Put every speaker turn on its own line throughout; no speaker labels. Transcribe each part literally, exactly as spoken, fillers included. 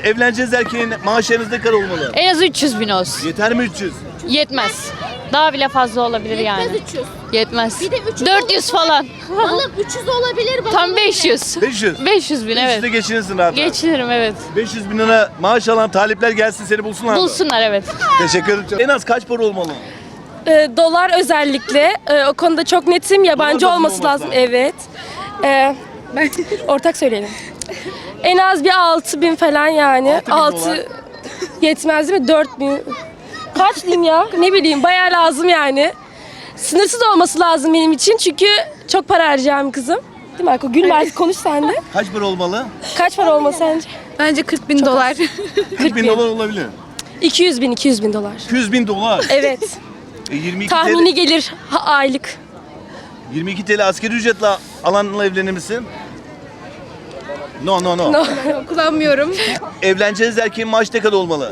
evleneceğiz erkeğin maaşı en az ne kadar olmalı?
En az üç yüz bin olsun.
Yeter mi üç yüz?
Yetmez. Daha bile fazla olabilir yani.
Yetmez üç yüz.
Yetmez.
Bir de üç yüz
dört yüz falan.
Balık üç yüz olabilir. Balık
Tam beş yüz.
beş yüz.
beş yüz bin
Evet.
evet.
de geçinirsin rahat.
Geçinirim evet.
beş yüz bin lira maaş alan talipler gelsin seni bulsunlar mı?
Bulsunlar evet.
Teşekkür ederim. En az kaç para olmalı?
Ee, dolar özellikle. Ee, o konuda çok netim. Yabancı
Dolar da
olması
olması
lazım.
lazım.
Evet. Ee, ortak söyleyelim. En az bir altı bin falan yani.
altı bin dolar.
altı yetmez değil mi? dört bin. Kaç diyeyim ya? Ne bileyim bayağı lazım yani. Sınırsız olması lazım benim için çünkü çok para harcayacağım kızım. Değil mi Arko? Gülme artık konuş sen de.
Kaç para olmalı?
Kaç para olmalı sence?
Bence kırk bin dolar.
kırk bin dolar olabilir.
iki yüz bin, iki yüz bin dolar.
iki yüz bin dolar.
Evet.
E, yirmi iki
Tahmini
TL,
gelir ha, aylık.
yirmi iki T L asgari ücretle alanla evlenir misin? No no no.
No.
Kullanmıyorum.
Evleneceğiz erkeğin maaşı ne kadar olmalı?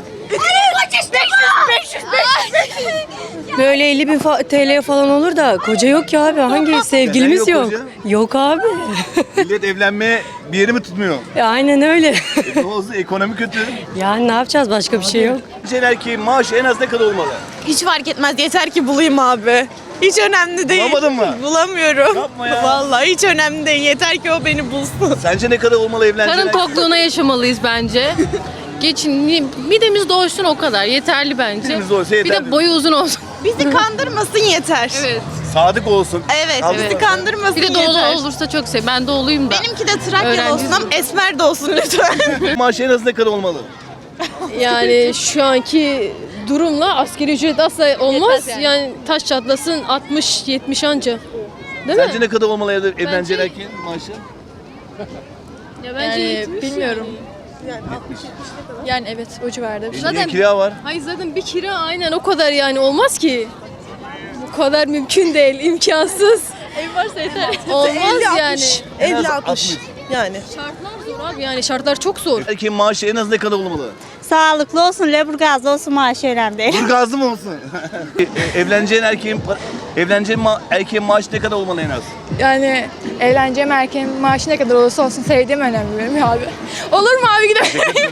Böyle elli bin fa- T L falan olur da koca yok ki abi. Hangi sevgilimiz
Neden yok
yok?
koca?
Yok abi.
Millet evlenmeye bir yeri mi tutmuyor?
Ya aynen öyle.
E, ne oldu? Ekonomi kötü.
Yani ne yapacağız? Başka bir şey yok.
Evleneceğin erkeğin maaşı en az ne kadar olmalı?
Hiç fark etmez. Yeter ki bulayım abi. Hiç önemli değil.
Bulamadın mı?
Bulamıyorum.
Yapma ya.
Vallahi hiç önemli değil. Yeter ki o beni bulsun.
Sence ne kadar olmalı evleneceğin
Karın
erkeğin?
tokluğuna yaşamalıyız bence. Geçin, midemiz doysun o kadar. Yeterli bence.
Midemiz doysa
Bir
yeterli.
de boyu uzun olsun.
Bizi kandırmasın yeter.
Evet.
Sadık olsun.
Evet,
Kaldı
bizi
mı?
kandırmasın
Bir de doğulu
yeter.
olursa çok sev. Ben doğuluyum da.
Benimki de Trakyalı
Öğrenci
olsun ama esmer de olsun lütfen.
Maaşı en az ne kadar olmalı?
Yani şu anki durumla asgari ücret asla olmaz. Yani. taş çatlasın altmış yetmiş anca. Değil
Sence
mi?
ne kadar olmalı evde evleneceğin erkeğin maaşı?
Ya bence
Yani bilmiyorum.
Yani evet o civarda.
Zaten
Zaten
kira var.
hayır zaten bir kira aynen o kadar yani olmaz ki. Bu kadar mümkün değil, imkansız. Ev varsa yeter. Olmaz yani.
En az altmış.
Yani.
Şartlar zor abi yani şartlar çok zor.
Erkeğin maaşı en az ne kadar olmalı?
Sağlıklı olsun, leburgazlı olsun maaşı önemli değil.
Burgazlı mı olsun? E, e, evleneceğin erkeğin pa- evleneceğin ma- erkeğin maaşı ne kadar olmalı en az?
Yani evleneceğim erkeğin maaşı ne kadar olursa olsun sevdiğim önemli benim abi. Olur mu abi gidelim?